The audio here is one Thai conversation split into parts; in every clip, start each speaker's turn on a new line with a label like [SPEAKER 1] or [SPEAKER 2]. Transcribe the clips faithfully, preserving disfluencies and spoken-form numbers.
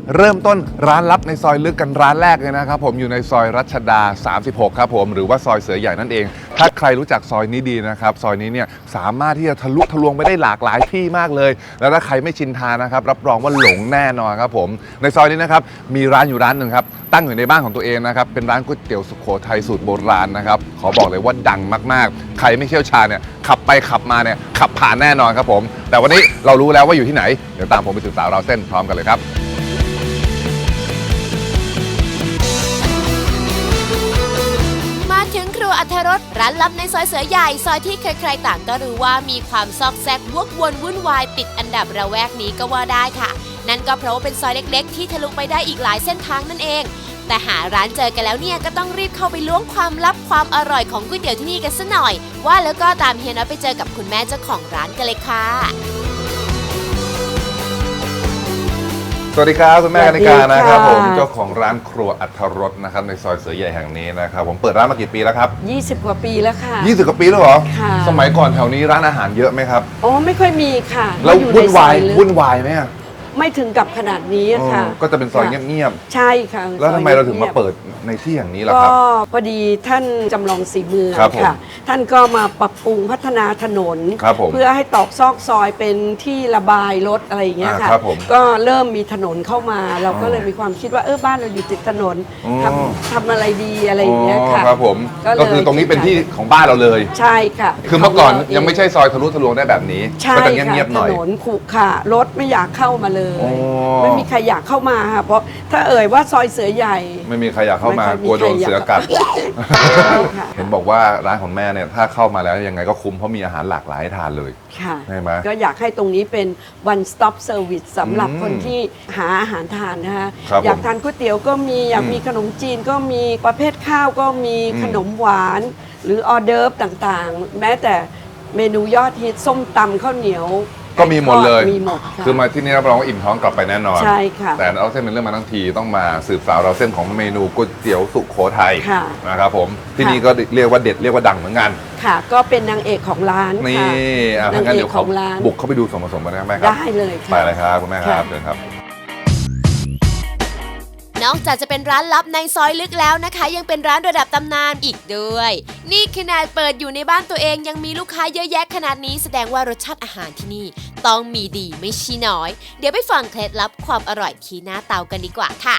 [SPEAKER 1] เริ่มต้นร้านลับในซอยลึกกันร้านแรกเลยนะครับผมอยู่ในซอยรัชดาสามสิบหกครับผมหรือว่าซอยเสือใหญ่นั่นเองถ้าใครรู้จักซอยนี้ดีนะครับซอยนี้เนี่ยสามารถที่จะทะลุทะลวงไปได้หลากหลายที่มากเลยแล้วถ้าใครไม่ชินทางนะครับรับรองว่าหลงแน่นอนครับผมในซอยนี้นะครับมีร้านอยู่ร้านหนึ่งครับตั้งอยู่ในบ้านของตัวเองนะครับเป็นร้านก๋วยเตี๋ยวสุโขทัยสูตรโบราณนะครับขอบอกเลยว่าดังมากๆใครไม่เชี่ยวชาญเนี่ยขับไปขับมาเนี่ยขับผ่านแน่นอนครับผมแต่วันนี้เรารู้แล้วว่าอยู่ที่ไหนเดี๋ยวตามผมไปสืบสาวราวเส้นพร้อมกันเลยครับ
[SPEAKER 2] ถึงครัวอรรถรสร้านลับในซอยเสือใหญ่ซอยที่ใครๆต่างก็รู้ว่ามีความซอกแซกวกวนวุ่นวายติดอันดับระแวกนี้ก็ว่าได้ค่ะนั่นก็เพราะว่าเป็นซอยเล็กๆที่ทะลุไปได้อีกหลายเส้นทางนั่นเองแต่หาร้านเจอกันแล้วเนี่ยก็ต้องรีบเข้าไปล้วงความลับความอร่อยของก๋วยเตี๋ยวที่นี่กันซะหน่อยว่าแล้วก็ตามเฮียน้อยไปเจอกับคุณแม่เจ้าของร้านกันเลยค่ะ
[SPEAKER 1] สวัสดีครับคุณแม่กนิกานะครับผมเจ้าของร้านครัวอรรถรสนะครับในซอยเสือใหญ่แห่งนี้นะครับผมเปิดร้านมากี่ปีแล้วครับ
[SPEAKER 3] ยี่สิบกว่าปีแล้วค่ะ
[SPEAKER 1] ยี่สิบกว่าปีแล้วเหรอ
[SPEAKER 3] ค่ะ
[SPEAKER 1] สมัยก่อนแถวนี้ร้านอาหารเยอะไหมครับ
[SPEAKER 3] อ๋อไม่ค่อยมีค่ะ
[SPEAKER 1] แล้ววุ่นวายวุ่นวายไหมอะ
[SPEAKER 3] ไม่ถึงกับขนาดนี้ค่ะ
[SPEAKER 1] ก็จะเป็นซอยเงียบ
[SPEAKER 3] ๆใช่ค่ะ
[SPEAKER 1] แล้วทำไมเราถึงมาเปิดในที่อย่างนี้ล่ะครับ
[SPEAKER 3] ก็พอดีท่านจำลองสีเมืองค่ะท่านก็มาปรับปรุงพัฒนาถนนเพื่อให้ตอกซอกซอยเป็นที่ระบายรถอะไรอย่างเงี้ยค่ะก็เริ่มมีถนนเข้ามาเราก็เลยมีความคิดว่าเออบ้านเราอยู่ติดถนนทำทำอะไรดีอะไรอย่างเงี้ยค่ะ
[SPEAKER 1] ครับผมก็คือตรงนี้เป็นที่ของบ้านเราเลย
[SPEAKER 3] ใช่ค่ะ
[SPEAKER 1] คือเมื่อก่อนยังไม่ใช่ซอยทะลุทะลวงได้แบบนี้ก็จะเงียบๆหน่อย
[SPEAKER 3] ถนนขรุขระรถไม่อยากเข้ามาเลยไม่มีใครอยากเข้ามาค่ะเพราะถ้าเอ่ยว่าซอยเสือใหญ่
[SPEAKER 1] ไม่มีใครอยากเข้ามากลัวโดนเสือกัดเห็นบอกว่าร้านของแม่เนี่ยถ้าเข้ามาแล้วยังไงก็คุ้มเพราะมีอาหารหลากหลายให้ทานเลย
[SPEAKER 3] ค่ะ
[SPEAKER 1] ใช่ไหม
[SPEAKER 3] ก็อยากให้ตรงนี้เป็น one stop service สำหรับคนที่หาอาหารทานนะคะอยากทานก๋วยเตี๋ยวก็มีอยากมีขนมจีนก็มีประเภทข้าวก็มีขนมหวานหรือออเดิร์ฟต่างๆแม้แต่เมนูยอดฮิตส้มตำข้าวเหนียว
[SPEAKER 1] ก็มีหมดเลย
[SPEAKER 3] มีหมด
[SPEAKER 1] คือมาที่นี่รับรองว่าอิ่มท้องกลับไปแน่นอน
[SPEAKER 3] ใช่ค่ะ
[SPEAKER 1] แต่เราเส้นเป็นเรื่องมาทั้งทีต้องมาสืบสาวเราเส้นของเมนูก๋วยเตี๋ยวสุโขทัยนะครับผมที่นี่ก็เรียกว่าเด็ดเรียกว่าดังเหมือนกัน
[SPEAKER 3] ค่ะก็เป็นนางเอกของร้าน
[SPEAKER 1] นี่นางเอกของร้านบุกเข้าไปดูส่วนผสมกันได้ไหมครับ
[SPEAKER 3] ได้เลยค่ะ
[SPEAKER 1] ไปเลยครับคุณแม่ครับเชิญครับ
[SPEAKER 2] นอกจากจะเป็นร้านลับในซอยลึกแล้วนะคะยังเป็นร้านระดับตำนานอีกด้วยนี่ขนาดเปิดอยู่ในบ้านตัวเองยังมีลูกค้าเยอะแยะขนาดนี้แสดงว่ารสชาติอาหารที่นี่ต้องมีดีไม่ใช่น้อยเดี๋ยวไปฟังเคล็ดลับความอร่อยที่หน้าเตากันดีกว่าค่ะ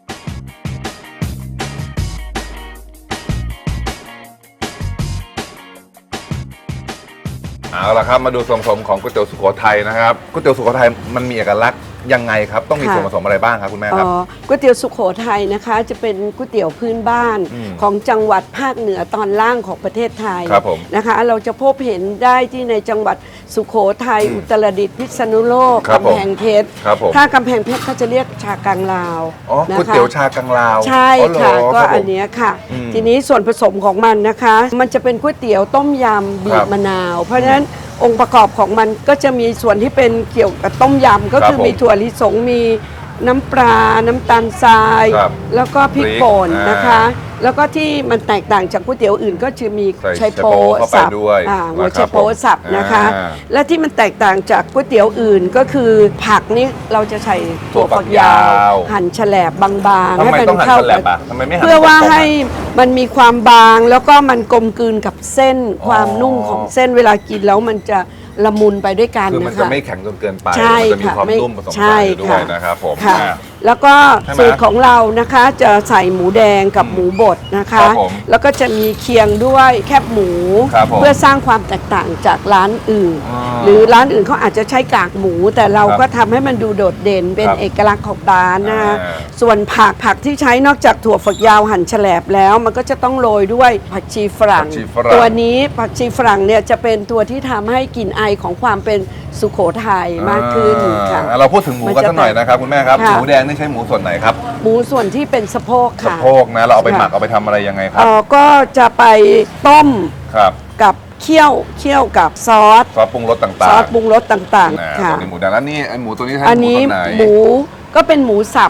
[SPEAKER 1] เอาละครับมาดูส่วนผสมของก๋วยเตี๋ยวสุโขทัยนะครับก๋วยเตี๋ยวสุโขทัยมันมีเอกลักษณ์ยังไงครับต้องมีส่วนผสมอะไรบ้างครับคุณแม่ครับ
[SPEAKER 3] ก๋วยเตี๋ยวสุโขทัยนะคะจะเป็นก๋วยเตี๋ยวพื้นบ้านของจังหวัดภาคเหนือตอนล่างของประเทศไทยนะคะเราจะพบเห็นได้ที่ในจังหวัดสุโขทัยอุตรดิตถ์พิษณุโลกกำแพงเพชรถ้ากำแพงเพชรเขาจะเรียกชากังลาว
[SPEAKER 1] ก๋วยเตี๋ยวชากังลาว
[SPEAKER 3] ใช่ค่ะก็อันนี้ค่ะทีนี้ส่วนผสมของมันนะคะมันจะเป็นก๋วยเตี๋ยวต้มยำบีบมะนาวเพราะฉะนั้นองค์ประกอบของมันก็จะมีส่วนที่เป็นเกี่ยวกับต้มยำก็คือมีถั่วลิสงมีน้ำปลาน้ำตาลทรายแล้วก็พริกป่นนะคะแล้วก็ที่มันแตกต่างจากก๋วยเตี๋ยวอื่นก็จะมีไชโป๊สับหัวไชโป๊สับนะคะและที่มันแตกต่างจากก๋วยเตี๋ยวอื่นก็คือผักนี้เราจะใส่ถั่วฝักยาวหั่นแฉลบบางๆ
[SPEAKER 1] ให้มันเข้ากันเพื่
[SPEAKER 3] อว่าให้มันมีความบางแล้วก็มันกลมกลืนกับเส้นความนุ่มของเส้นเวลากินแล้วมันจะละมุนไปด้วยกันนะคะคือ
[SPEAKER 1] มันจะไม่แข็งจนเกินไปมันจะมีความนุ่มผสมกันอยู่ด้วยนะครับผม
[SPEAKER 3] แล้วก็สูตรของเรานะคะจะใส่หมูแดงกับหมูบดนะคะแล้วก็จะมีเคียงด้วยแคบหมูเพื่อสร้างความแตกต่างจากร้านอื่นหรือร้านอื่นเขาอาจจะใช้กากหมูแต่เราก็ทำให้มันดูโดดเด่นเป็นเอกลักษณ์ของร้านนะคะส่วนผักผักที่ใช้นอกจากถั่วฝักยาวหั่นแฉลบแล้วมันก็จะต้องโรยด้วยผักชีฝรั่งตัวนี้ผักชีฝรั่งเนี่ยจะเป็นตัวที่ทำให้กลิ่นไอของความเป็นสุโขทัยมากขึ้นค่ะ
[SPEAKER 1] เราพูดถึงหมูกันสักหน่อยนะครับคุณแม่ครับหมูแดงนี่ใช้หมูส่วนไหนครับ
[SPEAKER 3] หมูส่วนที่เป็นสะโพกค่ะ
[SPEAKER 1] สะโพกนะเราเอาไปหมักเอาไปทำอะไรยังไงครับ
[SPEAKER 3] อ๋อก็จะไปต้ม
[SPEAKER 1] ครับ
[SPEAKER 3] กับเคี่ยวเคี่ยวกับซอส
[SPEAKER 1] ซอสปรุงรสต่างๆ
[SPEAKER 3] ซอสปรุงรสต่างๆค่ะ
[SPEAKER 1] หมูแดงแล้วนี่ไอ้หมูตัวนี้ใช้
[SPEAKER 3] หมูส่วนไหนอันนี้หมูก็เป็นหมูสับ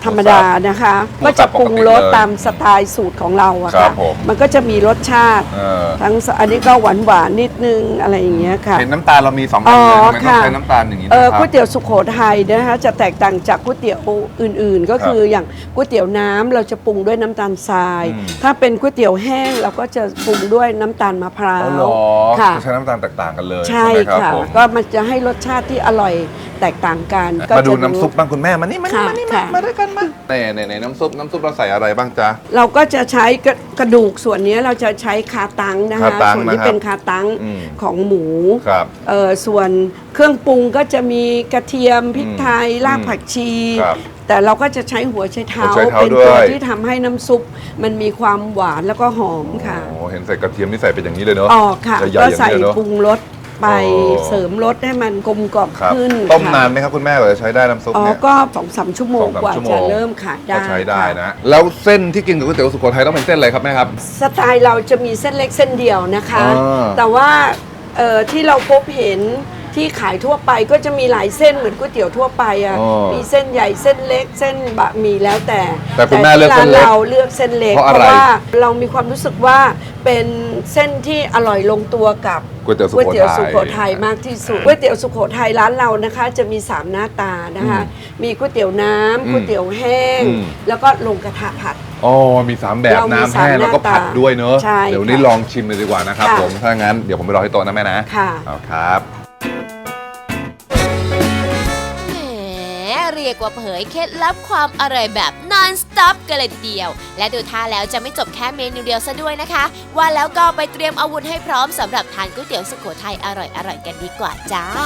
[SPEAKER 3] ธรรมดานะคะ
[SPEAKER 1] หมู
[SPEAKER 3] ก็
[SPEAKER 1] สั
[SPEAKER 3] จะ
[SPEAKER 1] บ
[SPEAKER 3] ปรุงรส
[SPEAKER 1] ปกติเลย
[SPEAKER 3] ตามสไตล์สูตรของเราอะ
[SPEAKER 1] ครั
[SPEAKER 3] ค่ะ
[SPEAKER 1] บผม
[SPEAKER 3] มันก็จะมีรสชาติ
[SPEAKER 1] เออ
[SPEAKER 3] ทั้งอันนี้ก็หวานหวานๆนิดนึงอะไรอย่างเงี้ยค่ะ
[SPEAKER 1] เห็นน้ำตาลเรามีสองอันเลย
[SPEAKER 3] อ๋อ
[SPEAKER 1] ทำไมต้อง
[SPEAKER 3] ค่ะ
[SPEAKER 1] ใช้น้ำตาลอย่างนี้
[SPEAKER 3] เอ
[SPEAKER 1] นะ
[SPEAKER 3] อ
[SPEAKER 1] ครับ
[SPEAKER 3] ก๋วยเตี๋ยวสุโขทัยนะคะจะแตกต่างจากก๋วยเตี๋ยวอื่นๆ ก็คืออย่างก๋วยเตี๋ยวน้ำเราจะปรุงด้วยน้ำตาลทราย
[SPEAKER 1] อืม
[SPEAKER 3] ถ้าเป็นก๋วยเตี๋ยวแห้งเราก็จะปรุงด้วยน้ำตาลมะพร้า
[SPEAKER 1] อ๋อ
[SPEAKER 3] ว
[SPEAKER 1] เหรอ
[SPEAKER 3] ค่ะ
[SPEAKER 1] จะใช้น้ำตาลแตกต่างกันเลย
[SPEAKER 3] ใช่
[SPEAKER 1] ไหมครับ
[SPEAKER 3] ค่ะ
[SPEAKER 1] ผม
[SPEAKER 3] ก็มันจะให้รสชาติที่อร่อยแตกต่างกันก็
[SPEAKER 1] มาดู
[SPEAKER 3] จะ
[SPEAKER 1] น้ำซุปบ้างคุณแม่มานี่มานี่
[SPEAKER 3] ค่ะ
[SPEAKER 1] มานี่มา
[SPEAKER 3] ค่ะ
[SPEAKER 1] มาด้วยกันมาในในในน้ำซุปน้ำซุปเราใส่อะไรบ้างจ๊ะ
[SPEAKER 3] เราก็จะใช้กระกระดูกส่วนนี้เราจะใช้คาตังนะ
[SPEAKER 1] คา
[SPEAKER 3] คะ
[SPEAKER 1] ตัง
[SPEAKER 3] ส่วนที่
[SPEAKER 1] นะครับ
[SPEAKER 3] เป็นคาตัง
[SPEAKER 1] อืม
[SPEAKER 3] ของหมู
[SPEAKER 1] ครับ
[SPEAKER 3] เอ่อส่วนเครื่องปรุงก็จะมีกระเทียมพริกไทยรากผักชี
[SPEAKER 1] ครับ
[SPEAKER 3] แต่เราก็จะใช้หัวไชเท้า
[SPEAKER 1] หัวไชเท้า
[SPEAKER 3] เป็น
[SPEAKER 1] ด้วย
[SPEAKER 3] ตัวที่ทำให้น้ำซุปมันมีความหวานแล้วก็หอมค่ะ
[SPEAKER 1] โอ้เห็นใส่กระเทียมนี่ใส่เป็นอย่างนี้เลยเนาะ
[SPEAKER 3] ออกค่ะ
[SPEAKER 1] จะใหญ่
[SPEAKER 3] ก็
[SPEAKER 1] อย่าง
[SPEAKER 3] ใส่
[SPEAKER 1] นี้เลยเนาะ
[SPEAKER 3] ปรุงรสไป
[SPEAKER 1] อ๋อ
[SPEAKER 3] เสริมรสให้มันกลมกล่อม
[SPEAKER 1] ครับ
[SPEAKER 3] ขึ้น
[SPEAKER 1] ต้ม
[SPEAKER 3] ค่ะ
[SPEAKER 1] นานไหมครับคุณแม่กว่าจะใช้ได้น้ำซุป
[SPEAKER 3] อ๋อ
[SPEAKER 1] เนี่ย
[SPEAKER 3] ก็สองสามชั่วโมง
[SPEAKER 1] สองสาม
[SPEAKER 3] กว่า
[SPEAKER 1] ชั่วโม
[SPEAKER 3] จะ
[SPEAKER 1] ง
[SPEAKER 3] เริ่มขายได้
[SPEAKER 1] ก็ใช้ได้
[SPEAKER 3] ค่
[SPEAKER 1] นะ แล้วเส้นที่กินกับก๋วยเตี๋ยวสุโขทัยต้องเป็นเส้นอะไรครับแม่ครับ
[SPEAKER 3] สไตล์เราจะมีเส้นเล็กเส้นเดียวนะคะ
[SPEAKER 1] อ่า
[SPEAKER 3] แต่ว่าเอ่อที่เราพบเห็นที่ขายทั่วไปก็จะมีหลายเส้นเหมือนก๋วยเตี๋ยวทั่วไปอ่ะ
[SPEAKER 1] อ๋อ
[SPEAKER 3] มีเส้นใหญ่เส้นเล็กเส้นบะหมี่แล้วแต่
[SPEAKER 1] แต่คุณแม่เลือกเส้นเล็ก
[SPEAKER 3] ที่ร้าเราเลือกเส้นเล็ก
[SPEAKER 1] เพราะอะไร
[SPEAKER 3] ว่าเรามีความรู้สึกว่าเป็นเส้นที่อร่อยลงตัวกับ
[SPEAKER 1] ก๋วยเตี๋ยวสุ
[SPEAKER 3] ก๋วย
[SPEAKER 1] โข
[SPEAKER 3] เตี๋ยว
[SPEAKER 1] ทั
[SPEAKER 3] สุ
[SPEAKER 1] ย
[SPEAKER 3] โขทัยมากที่สุดก๋วยเตี๋ยวสุโขทัยร้านเรานะคะ จะมีสามหน้าตานะคะ มีก๋วยเตี๋ยวน้ำก๋วยเตี๋ยวแห้ง
[SPEAKER 1] อืม
[SPEAKER 3] แล้วก็ลงกระทะผัด
[SPEAKER 1] อ๋อมีสามแบบ
[SPEAKER 3] เรามี
[SPEAKER 1] น้ำ
[SPEAKER 3] สาม
[SPEAKER 1] แห้งแล้วก็
[SPEAKER 3] หน้าตา
[SPEAKER 1] ผัดด้วยเนอะ
[SPEAKER 3] ใช่
[SPEAKER 1] เดี๋ยววนนี้
[SPEAKER 3] ค่ะ
[SPEAKER 1] ลองชิมเลยดีกว่านะครับ
[SPEAKER 3] ค่ะ
[SPEAKER 1] ผมถ้างั้นเดี๋ยวผมไปรอที่โต๊ะนะแม่นะ
[SPEAKER 3] ค่ะ
[SPEAKER 1] เอาครับ
[SPEAKER 2] แหมเรียกว่าเผยเคล็ดลับความอร่อยแบบ non stop กันเลยทีเดียว และดูท่าแล้วจะไม่จบแค่เมนูเดียวซะด้วยนะคะ ว่าแล้วก็ไปเตรียมอาวุธให้พร้อมสำหรับทานก๋วยเตี๋ยวสุโขทัยอร่อยๆกันดีกว่าจ้า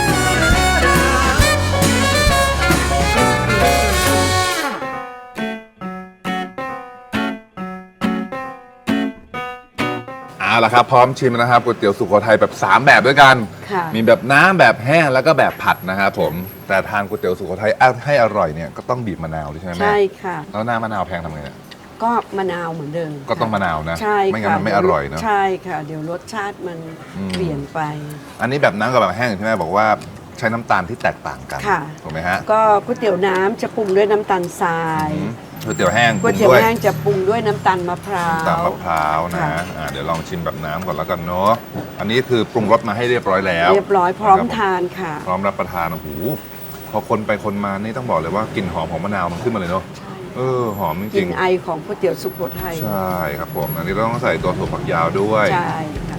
[SPEAKER 1] เอาละครับพร้อมชิมนะครับก๋วยเตี๋ยวสุโขทัยแบบสามแบบด้วยกัน
[SPEAKER 3] ค่ะ
[SPEAKER 1] มีแบบน้ำแบบแห้งแล้วก็แบบผัดนะครับผมแต่ทานก๋วยเตี๋ยวสุโขทัยให้อร่อยเนี่ยก็ต้องบีบมะนาวด้วยใช่ไหมแม่
[SPEAKER 3] ใช่ค่ะ
[SPEAKER 1] แล้วหน้ามะนาวแพงทำไงเนี่ย
[SPEAKER 3] ก็มะนาวเหมือนเดิม
[SPEAKER 1] ก็ต้องมะนาวนะ
[SPEAKER 3] ใช่
[SPEAKER 1] ไม่งั้น
[SPEAKER 3] ค่ะ
[SPEAKER 1] มันไม่อร่อยเนอะ
[SPEAKER 3] ใช่ค่ะ เดี๋ยวรสชาติมัน
[SPEAKER 1] อืม
[SPEAKER 3] เปลี่ยนไป
[SPEAKER 1] อันนี้แบบน้ำกับแบบแห้งใช่ไหมบอกว่าใช้น้ำตาลที่แตกต่างกัน
[SPEAKER 3] ค่ะ
[SPEAKER 1] ถูกไหมฮะ
[SPEAKER 3] ก็ก๋วยเตี๋ยวน้ำจะปรุงด้วยน้ำตาลทราย
[SPEAKER 1] อืมก๋วยเตี๋ยวแห้ง
[SPEAKER 3] ก๋วยเตี๋ยว
[SPEAKER 1] ปรุงด้
[SPEAKER 3] แห้งจะปรุงด้วยน้ำตาลมะพร้าว
[SPEAKER 1] น้ำตาลมะพร้าวนะ
[SPEAKER 3] ค่ะ
[SPEAKER 1] อ่าเดี๋ยวลองชิมแบบน้ำก่อนแล้วกันเนาะอันนี้คือปรุงรสมาให้เรียบร้อยแล้ว
[SPEAKER 3] เรียบร้อยพร้อม
[SPEAKER 1] นะคบ
[SPEAKER 3] ทานค่ะ
[SPEAKER 1] พร้อมรับประทานโอ้โหพอคนไปคนมานี่ต้องบอกเลยว่ากลิ่นหอมของมะนาวมันขึ้นมาเลยเนาะ
[SPEAKER 3] ใช่
[SPEAKER 1] เออหอมจ
[SPEAKER 3] ก
[SPEAKER 1] ริ
[SPEAKER 3] ลิ่
[SPEAKER 1] ง
[SPEAKER 3] นไอของก๋วยเตี๋ยวสุโขทัย
[SPEAKER 1] ๆใช่ครับผมอันนี้เราต้องใส่ตัวถั่วฝักยาวด้วย
[SPEAKER 3] ใช่ค่ะ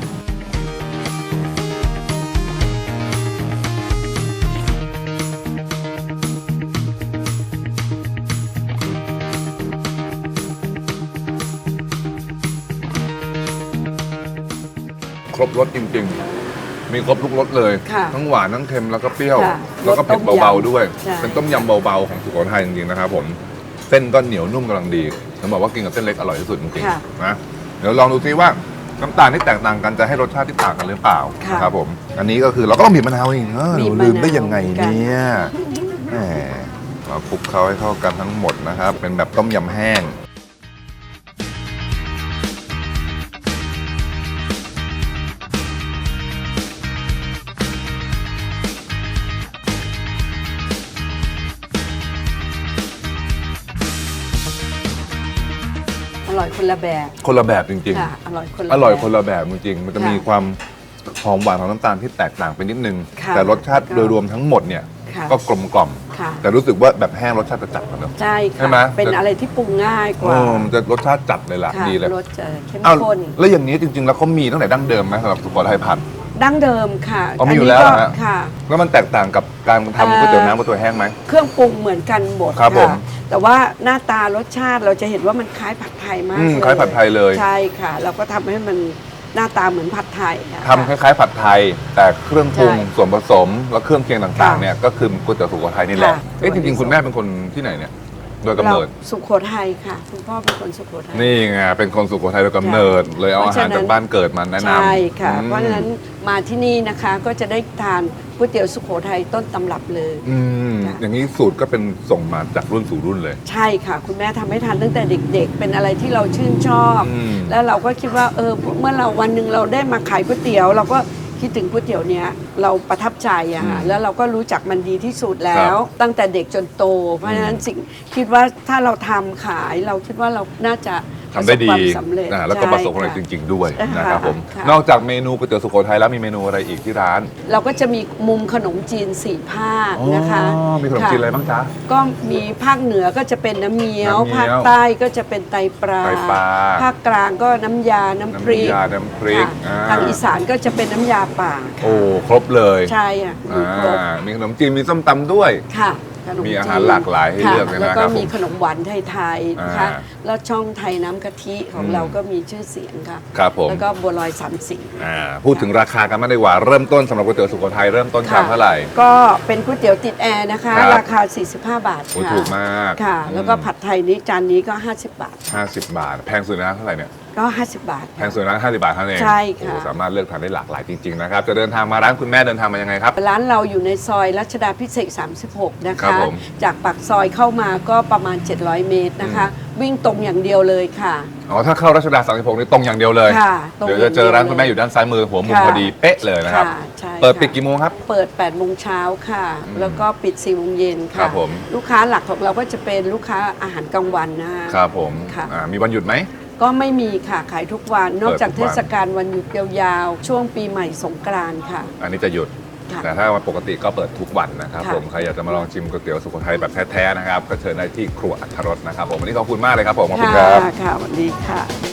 [SPEAKER 1] ครบรสจริงๆ มีครบทุกรสเลย
[SPEAKER 3] ค่ะ
[SPEAKER 1] ทั้งหวานทั้งเค็มแล้วก็เปรี้ยว
[SPEAKER 3] ค่ะ
[SPEAKER 1] แล้วก็เผ็ด
[SPEAKER 3] รสต้มยำ
[SPEAKER 1] เบาๆด้วย
[SPEAKER 3] ใช่
[SPEAKER 1] เป็นต้มยำเบาๆของสุโขทัยจริงๆนะครับผมเส้นก็เหนียวนุ่มกำลังดีผมบอกว่ากินกับเส้นเล็กอร่อยที่สุดจริง
[SPEAKER 3] ค่ะ
[SPEAKER 1] ๆนะเดี๋ยวลองดูซิว่าน้ำตาลที่แตกต่างกันจะให้รสชาติที่ต่างกันหรือเปล่า
[SPEAKER 3] ค่ะ
[SPEAKER 1] นะครับผมอันนี้ก็คือเราก็ต้องบีบมะนาวอีกเออ
[SPEAKER 3] บีบ
[SPEAKER 1] เราลืม
[SPEAKER 3] มะนาว
[SPEAKER 1] ได้ยังไง
[SPEAKER 3] กัน
[SPEAKER 1] เนี่ยแหมเราคลุกเคล้าให้เข้ากันทั้งหมดนะครับ เป็นแบบต้มยำแห้ง
[SPEAKER 3] อร่อยคนละแบบ
[SPEAKER 1] คนละแบบจริง
[SPEAKER 3] ค่ะอร่อยคนละ
[SPEAKER 1] ๆ อร่อย
[SPEAKER 3] แบบ
[SPEAKER 1] คนละแบบจริงๆ มันจะ
[SPEAKER 3] ค่ะ
[SPEAKER 1] มีความหอมหวานของน้ำตาลที่แตกต่างไปนิดนึง
[SPEAKER 3] ค่ะ
[SPEAKER 1] แต่รสชาติ
[SPEAKER 3] ค่ะ
[SPEAKER 1] โดยรวมทั้งหมดเนี่ย
[SPEAKER 3] ค่ะ
[SPEAKER 1] ก็กลมกล่อม
[SPEAKER 3] ค่ะ
[SPEAKER 1] แต่รู้สึกว่าแบบแห้งรสชาติจะจัดกว่าเนอะ
[SPEAKER 3] ใช่
[SPEAKER 1] ใช่
[SPEAKER 3] ค่ะ
[SPEAKER 1] ไหม
[SPEAKER 3] เป็นอะไรที่ปรุงง่ายก
[SPEAKER 1] โอ้
[SPEAKER 3] ว่า
[SPEAKER 1] มันจะรสชาติจัดเลยล่ะ
[SPEAKER 3] ค่ะ
[SPEAKER 1] ดีเลย
[SPEAKER 3] รสจะเข้ม
[SPEAKER 1] อ้าว
[SPEAKER 3] ข้น
[SPEAKER 1] แล้วอย่างนี้จริงๆ แล้วเขามีตั้งแต่ดั้งเดิมไหมสำหรับสุโขทัยผัด
[SPEAKER 3] ดั้งเดิมค่ะ
[SPEAKER 1] อ๋อมีอยู่แล้ว
[SPEAKER 3] น
[SPEAKER 1] เหร
[SPEAKER 3] นี้
[SPEAKER 1] อ
[SPEAKER 3] ก็
[SPEAKER 1] ฮะ
[SPEAKER 3] ค่ะ
[SPEAKER 1] แล้วมันแตกต่างกับการทำก๋วยเตี๋ยวน้ำก๋วยเตี๋ยวแห้งไหม
[SPEAKER 3] เครื่องปรุงเหมือนกันหมด
[SPEAKER 1] ครับผม
[SPEAKER 3] แต่ว่าหน้าตารสชาติเราจะเห็นว่ามันคล้ายผัดไทยมาก
[SPEAKER 1] อืม
[SPEAKER 3] เลย
[SPEAKER 1] คล้ายผัดไทยเลย
[SPEAKER 3] ใช่ค่ะ เราก็ทำให้มันหน้าตาเหมือนผัดไทยอะ
[SPEAKER 1] ทำคล้ายๆผัดไทย แต่เครื่องปรุง
[SPEAKER 3] ใช่
[SPEAKER 1] ส่วนผสมและเครื่องเคียงต่าง
[SPEAKER 3] ค่ะ
[SPEAKER 1] ๆเนี่ยก็คือก๋วยเตี๋ยวสุโขทัยนี่แหละ
[SPEAKER 3] ค่ะ
[SPEAKER 1] เอ๊ะจริงๆคุณแม่เป็นคนที่ไหนเนี่ยโดยกำเนิด
[SPEAKER 3] ราสุโขทัยค่ะ คุณพ่อเป็นคนสุโขทัย
[SPEAKER 1] นี่ไงเป็นคนสุโขทัยโดยกำเนิด เลยเอาอาหารจากบ้านเกิดมาแนะนำ
[SPEAKER 3] ใช่ค่ะ
[SPEAKER 1] อืม
[SPEAKER 3] เพราะฉะนั้นมาที่นี่นะคะก็จะได้ทานก๋วยเตี๋ยวสุโขทัยต้นตำรับเลย
[SPEAKER 1] อืม
[SPEAKER 3] ค่ะ
[SPEAKER 1] อย่างนี้สูตรก็เป็นส่งมาจากรุ่นสู่รุ่นเลย
[SPEAKER 3] ใช่ค่ะ คุณแม่ทำให้ทานตั้งแต่เด็ก ๆ เป็นอะไรที่เราชื่นชอบ
[SPEAKER 1] อืม
[SPEAKER 3] แล้วเราก็คิดว่าเออเมื่อเราวันหนึ่งเราได้มาขายก๋วยเตี๋ยว เราก็คิดถึงก๋วยเตี๋ยวเนี้ยเราประทับใจอะค่ะ
[SPEAKER 1] อืม
[SPEAKER 3] แล้วเราก็รู้จักมันดีที่สุดแล้
[SPEAKER 1] ครั
[SPEAKER 3] ว
[SPEAKER 1] บ
[SPEAKER 3] ตั้งแต่เด็กจนโต เพราะฉะนั้นสิ่งคิดว่าถ้าเราทำขายเราคิดว่าเราน่าจะ
[SPEAKER 1] ทำได้ดี
[SPEAKER 3] ประสบความสำเร็จ
[SPEAKER 1] นะแล้วก็ประสบความสำเร็จ
[SPEAKER 3] ใช่
[SPEAKER 1] จ
[SPEAKER 3] ค่ะ
[SPEAKER 1] ริง ๆ ด้วย
[SPEAKER 3] ค่ะ
[SPEAKER 1] นะครับผม
[SPEAKER 3] ค่ะ
[SPEAKER 1] นอกจากเมนูก๋วยเตี๋ยวสุโขทัยแล้วมีเมนูอะไรอีกที่ร้าน
[SPEAKER 3] เราก็จะมีมุมขนมจีนสี่ภาคนะคะ
[SPEAKER 1] อ๋อมีขนมจีนอะไรบ้างจ๊ะ
[SPEAKER 3] ก็มีภาคเหนือก็จะเป็นน้ำเงี้ยว
[SPEAKER 1] น้ำเงี้ยว
[SPEAKER 3] ภาคใต้ก็จะเป็นไตปลา
[SPEAKER 1] ไตปลา
[SPEAKER 3] ภาคกลางก็น้ำยา น้ำพริก
[SPEAKER 1] น้ำยาน้ำพริก
[SPEAKER 3] ค่ะ
[SPEAKER 1] อ่า
[SPEAKER 3] ทางอีสานก็จะเป็นน้ำยาป่า
[SPEAKER 1] โอ้ครบเลย
[SPEAKER 3] ใช่อ่ะมีครบ
[SPEAKER 1] อ่ามีขนมจีนมีส้มตำด้วย
[SPEAKER 3] ค่ะขน
[SPEAKER 1] มีอา
[SPEAKER 3] จีน
[SPEAKER 1] หารหลากหลายให้
[SPEAKER 3] ค่ะ
[SPEAKER 1] เลือกเลยนะครับ
[SPEAKER 3] แล้วก็มี
[SPEAKER 1] ผม
[SPEAKER 3] ขนมหวานไทยๆนะคะ
[SPEAKER 1] อ่า
[SPEAKER 3] แล้วช่องไทยน้ำกะทิของ
[SPEAKER 1] อืม
[SPEAKER 3] เราก็มีชื่อเสียงค่ะ
[SPEAKER 1] ครับผม
[SPEAKER 3] แล้วก็บัวลอยสามสี
[SPEAKER 1] อ่าพูดถึงราคากันมางดีกว่าเริ่มต้นสำหรับก๋วยเตี๋ยวสุโขทัยเริ่มต้นชามเท่าไหร่
[SPEAKER 3] ก็เป็นก๋วยเตี๋ยวติดแอร์นะคะ
[SPEAKER 1] ครับ
[SPEAKER 3] ราคา สี่สิบห้า บาท
[SPEAKER 1] โอ้
[SPEAKER 3] ค่ะ
[SPEAKER 1] ถูกมาก
[SPEAKER 3] ค่ะ แล้วก็ผัดไทยนี้จานนี้ก็ ห้าสิบบาท
[SPEAKER 1] ห้าสิบบาท แพงสุดนะเท่าไหร่เนี่ย
[SPEAKER 3] ก็ ห้าสิบบาท
[SPEAKER 1] แพงสุดนะห้าสิบบาทเท่านั้นเอง
[SPEAKER 3] ใช่ค่ะ
[SPEAKER 1] โอ้สามารถเลือกทานได้หลากหลายจริงๆนะครับจะเดินทางมาร้านคุณแม่เดินทางมายังไงครับ
[SPEAKER 3] ร้านเราอยู่ในซอยรัชดาพิเศษกสามสิบหก นะ
[SPEAKER 1] ครั
[SPEAKER 3] คะ
[SPEAKER 1] บผม
[SPEAKER 3] จากปากซอยเข้ามาก็ประมาณ เจ็ดร้อย เมตรนะคะ วิ่งตรงอย่างเดียวเลยค่ะ
[SPEAKER 1] อ๋อถ้าเข้ารัชดาสามสิบหกนี่ตรงอย่างเดียวเลย
[SPEAKER 3] ค่ะตรง
[SPEAKER 1] เดี๋ยวจะเจอร้านคุณแม่อยู่ด้านซ้ายมือหัวมุม
[SPEAKER 3] ค่ะ
[SPEAKER 1] พอดีเป๊ะเลยนะครับ
[SPEAKER 3] ค่ะใช่
[SPEAKER 1] เปิด
[SPEAKER 3] ค่ะ
[SPEAKER 1] ปิดกี่โมงครับ
[SPEAKER 3] เปิด แปด โมงเช้าค่ะ แล้วก็ปิด สี่ โมงเย็น
[SPEAKER 1] ครั
[SPEAKER 3] ค่ะ
[SPEAKER 1] บผม
[SPEAKER 3] ลูกค้าหลักของเราก็จะเป็นลูกค้าอาหารกลางวันนะคะ
[SPEAKER 1] ครับผม
[SPEAKER 3] ค่ะ
[SPEAKER 1] อ่ามีวันหยุดไหม
[SPEAKER 3] ก็ไม่มีค่ะ ขายทุกวัน นอกจาก
[SPEAKER 1] เปิดทุกวัน
[SPEAKER 3] เทศกาลวันหยุดยาวๆ ช่วงปีใหม่สงกรานต์ค่ะ
[SPEAKER 1] อันนี้จะหยุด
[SPEAKER 3] ค่ะ
[SPEAKER 1] แต่ถ้าวันปกติก็เปิดทุกวันนะครับ
[SPEAKER 3] ค่ะ
[SPEAKER 1] ผมใครอยากจะมาลองชิมก๋วยเตี๋ยวสุโขทัยแบบแท้ๆนะครับก็เชิญได้ที่ครัวอัทรสนะครับผมวันนี้ขอบคุณมากเลยครับผมขอบคุณครับ
[SPEAKER 3] ค่ะสวัสดีค่ะ